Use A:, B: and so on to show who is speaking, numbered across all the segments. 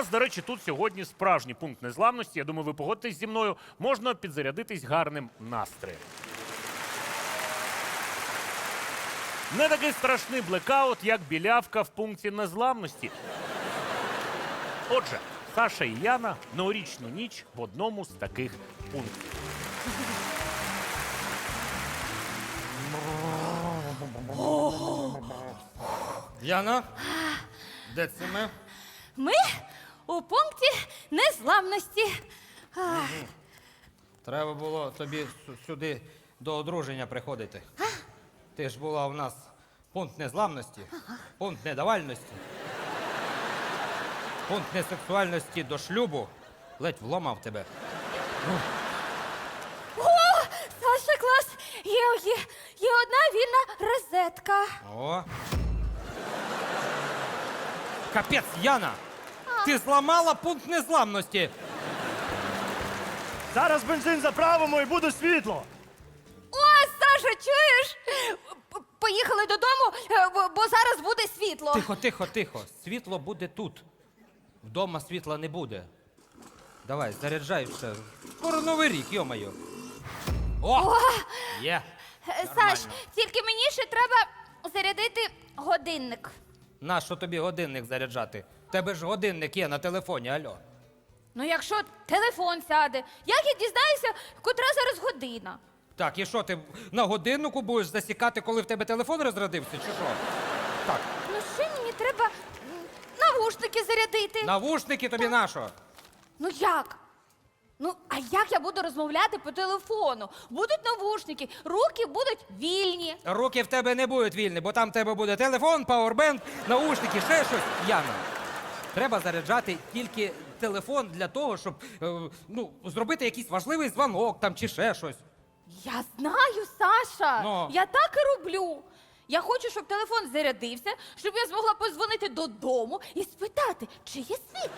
A: нас, до речі, тут сьогодні справжній пункт незламності. Я думаю, ви погодитесь зі мною. Можна підзарядитись гарним настроєм. Не такий страшний блекаут, як білявка в пункті незламності. Отже, Саша і Яна новорічну ніч в одному з таких пунктів.
B: Яна, де це ми?
C: Ми у пункті незламності.
B: Треба було тобі сюди до одруження приходити. Ти ж була у нас пункт незламності, пункт недавальності, пункт несексуальності до шлюбу. Ледь вломав тебе.
C: О, Саша, клас! Є одна вільна розетка.
B: О. Капець, Яна! Ти зламала пункт незламності.
D: Зараз бензин заправимо і буде світло.
C: О, Саша, чуєш? Поїхали додому, бо зараз буде світло.
B: Тихо, тихо, тихо. Світло буде тут. Вдома світла не буде. Давай, заряджай все. Скоро Новий рік, йо-моє. О! Є.
C: Саш, тільки мені ще треба зарядити годинник.
B: Нащо тобі годинник заряджати? В тебе ж годинник є на телефоні, альо.
C: Ну, якщо телефон сяде, як я дізнаюся, котра зараз година?
B: Так, і що, ти на годиннику будеш засікати, коли в тебе телефон розрядився, чи що? Так,
C: Ну, ще мені треба навушники зарядити.
B: навушники тобі нащо?
C: Ну як? Ну, а як я буду розмовляти по телефону? Будуть навушники, руки будуть вільні.
B: Руки в тебе не будуть вільні, бо там в тебе буде телефон, пауербенк, наушники, ще щось. Яна, треба заряджати тільки телефон для того, щоб зробити якийсь важливий дзвонок там чи ще щось.
C: Я знаю, Саша.
B: Ну.
C: Я так і роблю. Я хочу, щоб телефон зарядився, щоб я змогла подзвонити додому і спитати, чи є світло.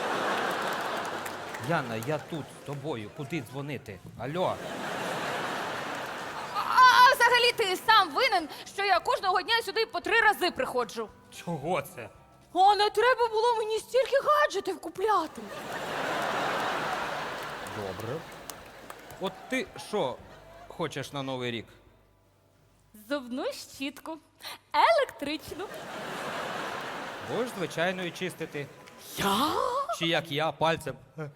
B: Яна, я тут з тобою. Куди дзвонити? Алло.
C: А взагалі ти сам винен, що я кожного дня сюди по 3 рази приходжу.
B: Чого це?
C: А не треба було мені стільки гаджетів купляти.
B: Добре. От ти що хочеш на Новий рік?
C: Зубну щітку. Електричну.
B: Будеш звичайною чистити.
C: Я?
B: Чи як я, пальцем.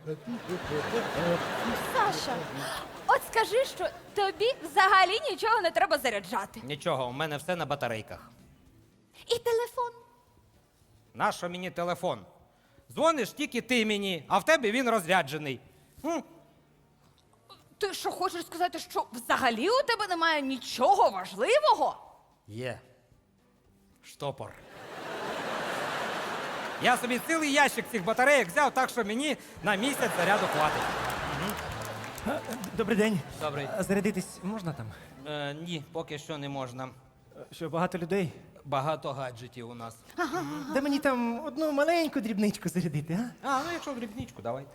C: Саша, от скажи, що тобі взагалі нічого не треба заряджати.
B: Нічого, у мене все на батарейках.
C: І телефон.
B: Нащо мені телефон? Дзвониш тільки ти мені, а в тебе він розряджений.
C: Ти що, хочеш сказати, що взагалі у тебе немає нічого важливого?
B: Є. Штопор. Я собі цілий ящик цих батарейок взяв, так що мені на місяць заряду хватить.
D: Добрий день.
B: Добрий.
D: А зарядитись можна там?
B: Ні, поки що не можна.
D: Що, багато людей?
B: Багато гаджетів у нас.
D: Де мені там одну маленьку дрібничку зарядити, а?
B: А, ну якщо в дрібничку, давай.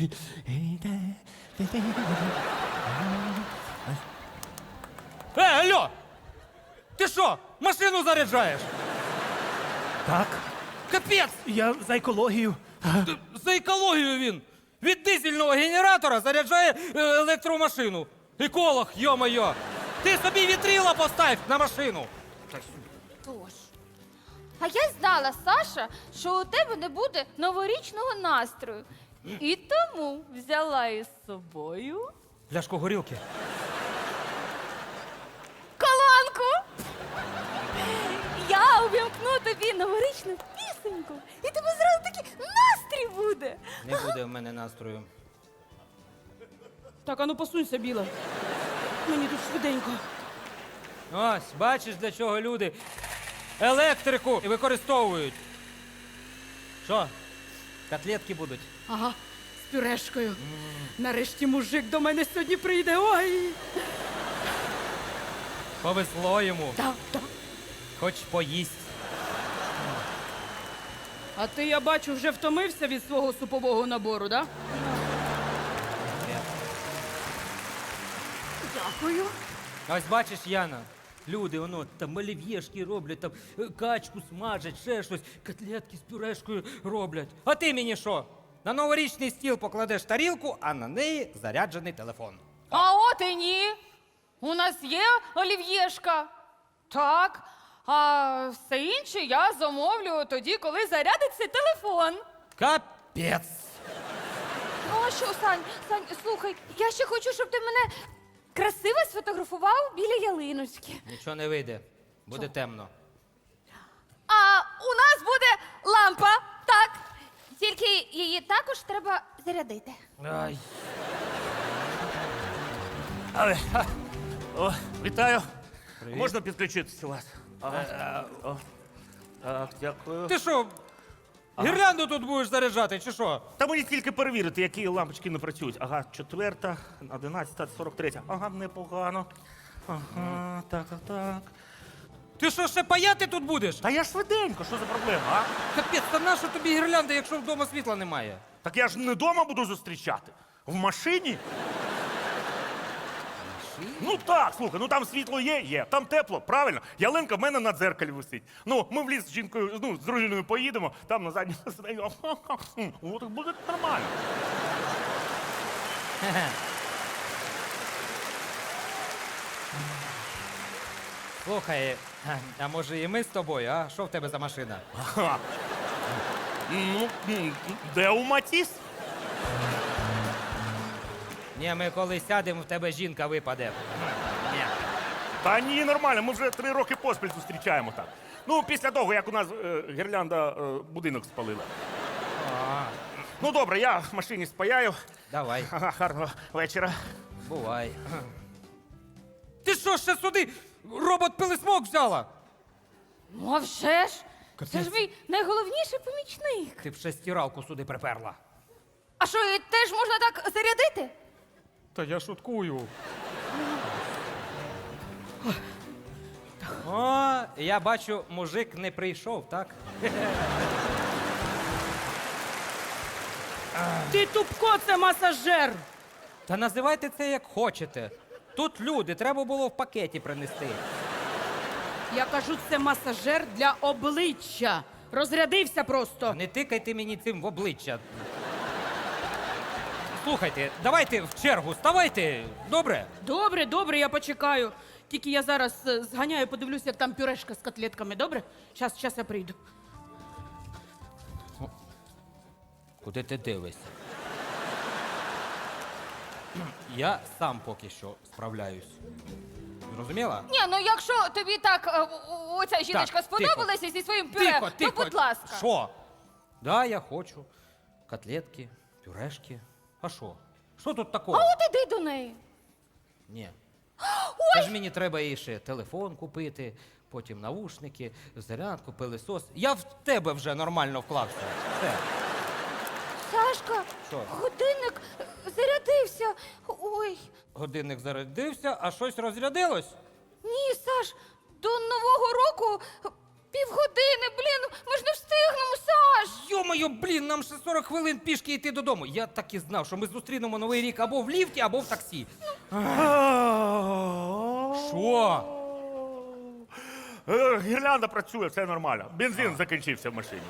B: Алло! Ти що, машину заряджаєш?
D: Так.
B: Капець!
D: Я за екологію.
B: За екологію він! Від дизельного генератора заряджає електромашину. Еколог, йо-моє! Ти собі вітрила постав на машину!
C: Тож. А я знала, Саша, що у тебе не буде новорічного настрою. І тому взяла із собою
B: Пляшку горілки.
C: колонку. Я увімкну тобі новорічну пісеньку, і тебе зразу такий настрій буде.
B: Не буде в мене настрою.
E: Так, ану посунься, Біла. Мені тут швиденько.
B: Ось, бачиш, для чого люди електрику використовують. Що? Котлетки будуть?
E: Ага, з пюрешкою. Нарешті мужик до мене сьогодні прийде. Ой!
B: Повезло йому.
E: Так, так.
B: Хоч поїсть.
E: А ти, я бачу, вже втомився від свого супового набору, да?
C: Дякую.
B: Ось бачиш, Яна, Люди, воно там олів'єшки роблять, там качку смажать, ще щось, котлетки з пюрешкою роблять. А ти мені що? На новорічний стіл покладеш тарілку, а на неї заряджений телефон.
C: А от і ні. У нас є олів'єшка. Так. А все інше я замовлю тоді, коли зарядиться телефон.
B: Капець!
C: Ну а що, Сань, слухай, я ще хочу, щоб ти мене красиво сфотографував біля ялиночки.
B: Нічого не вийде, буде темно.
C: А у нас буде лампа, так. Тільки її також треба зарядити.
B: Ай.
A: Але, о, вітаю. Можна підключитися у вас? О, так, дякую.
B: Ти що, гірлянду тут будеш заряджати, чи що?
A: Та мені тільки перевірити, які лампочки не працюють. Ага, 4, 11, 43. Ага, непогано. Ага, так.
B: Ти що, ще паяти тут будеш?
A: Та я швиденько, що за проблема, а?
B: Капець, та нащо тобі гірлянда, якщо вдома світла немає?
A: Так я ж не вдома буду зустрічати. В машині? Ну так, слухай, ну там світло є, там тепло, правильно. Ялинка в мене на дзеркалі висить. Ну, ми в ліс з жінкою, з дружиною поїдемо, там на задньому сиденьку. От буде нормально.
B: Слухай, а може і ми з тобою, а? Що в тебе за машина?
A: Ага. Ну, де у Матіс?
B: Ні, ми коли сядемо, в тебе жінка випаде. Ні.
A: Та ні, нормально, ми вже 3 роки поспіль зустрічаємо так. Ну, після того, як у нас гірлянда будинок спалила. Ну, добре, я в машині спаяю.
B: Давай,
A: Ага, гарного вечора.
B: бувай. Ти що, ще сюди робот-пилисмок взяла?
C: Ну, а вже ж. Це ж мій найголовніший помічник.
B: Ти б ще стиралку сюди приперла.
C: А що, її теж можна так зарядити?
B: Та я шуткую. О, я бачу, мужик не прийшов, так?
E: Ти тупко, це масажер.
B: Та називайте це як хочете. Тут люди, треба було в пакеті принести.
E: Я кажу, це масажер для обличчя. Розрядився просто.
B: Не тикайте мені цим в обличчя. Слухайте, давайте в чергу, ставайте, добре?
E: Добре, я почекаю. Тільки я зараз зганяю, подивлюся, як там пюрешка з котлетками, добре? Щас я прийду.
B: Куди ти дивишся? Я сам поки що справляюсь. Зрозуміла?
C: Ні, ну якщо тобі так оця жіночка
B: Так,
C: сподобалася зі своїм пюре, то будь ласка.
B: Що? Да, я хочу. Котлетки, пюрешки. А що? Що тут такого?
C: А от іди до неї.
B: Ні. Це ж мені треба і ще телефон купити, потім навушники, зарядку, пилисос. Я в тебе вже нормально вклався. Все.
C: Сашка,
B: Що?
C: годинник зарядився. Ой.
B: Годинник зарядився, а щось розрядилось.
C: Ні, Саш, до Нового року півгодини, блін, ми ж не встигнемо, Саш.
B: Йо-моє, блін, нам ще 40 хвилин пішки йти додому. Я так і знав, що ми зустрінемо Новий рік або в ліфті, або в таксі. Що?
A: Гірлянда працює, все нормально. Бензин закінчився в машині.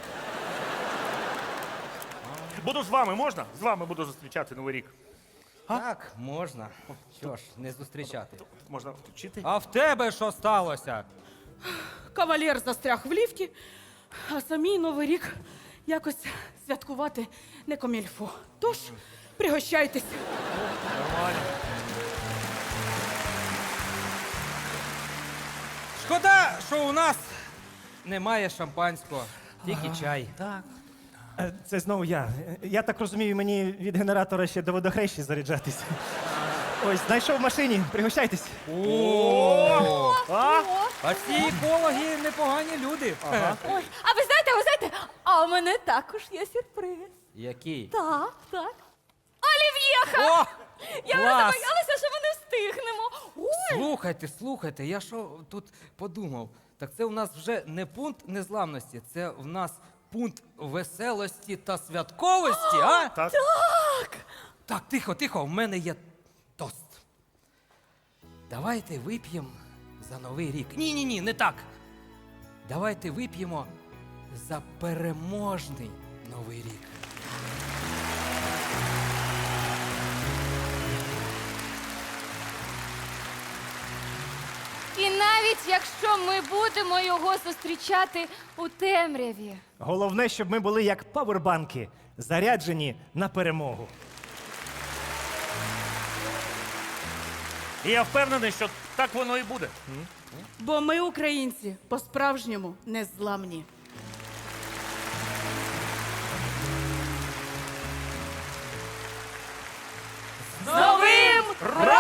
A: Буду з вами, можна? З вами буду зустрічати Новий рік.
B: Так, можна. Що ж, не зустрічати.
A: Можна включити?
B: А в тебе що сталося?
E: Кавалер застряг в ліфті, а самій Новий рік якось святкувати не комільфо. Тож, пригощайтесь.
A: Нормально.
B: Шкода, що у нас немає шампанського, тільки чай.
A: Так.
D: Це знову я. Я так розумію, мені від генератора ще до водохрещі заряджатися. Ось, знайшов в машині, пригощайтесь.
B: О!
A: А?
B: А ці екологи непогані люди.
C: Ой, а ви знаєте, а у мене також є сюрприз.
B: Який?
C: Так. Олів'єха!
B: О!
C: Я вже
B: клас!
C: боялася, що ми не встигнемо. Ой.
B: Слухайте, я що тут подумав? Так це у нас вже не пункт незламності, це в нас пункт веселості та святковості, а?
A: Так.
B: Так, тихо, в мене є тост. Давайте вип'ємо за новий рік. Ні, не так. Давайте вип'ємо за переможний новий рік.
C: І навіть якщо ми будемо його зустрічати у темряві.
D: Головне, щоб ми були як павербанки, заряджені на перемогу.
A: І я впевнений, що так воно і буде.
E: Бо ми, українці, по-справжньому незламні.
C: З Новим роком!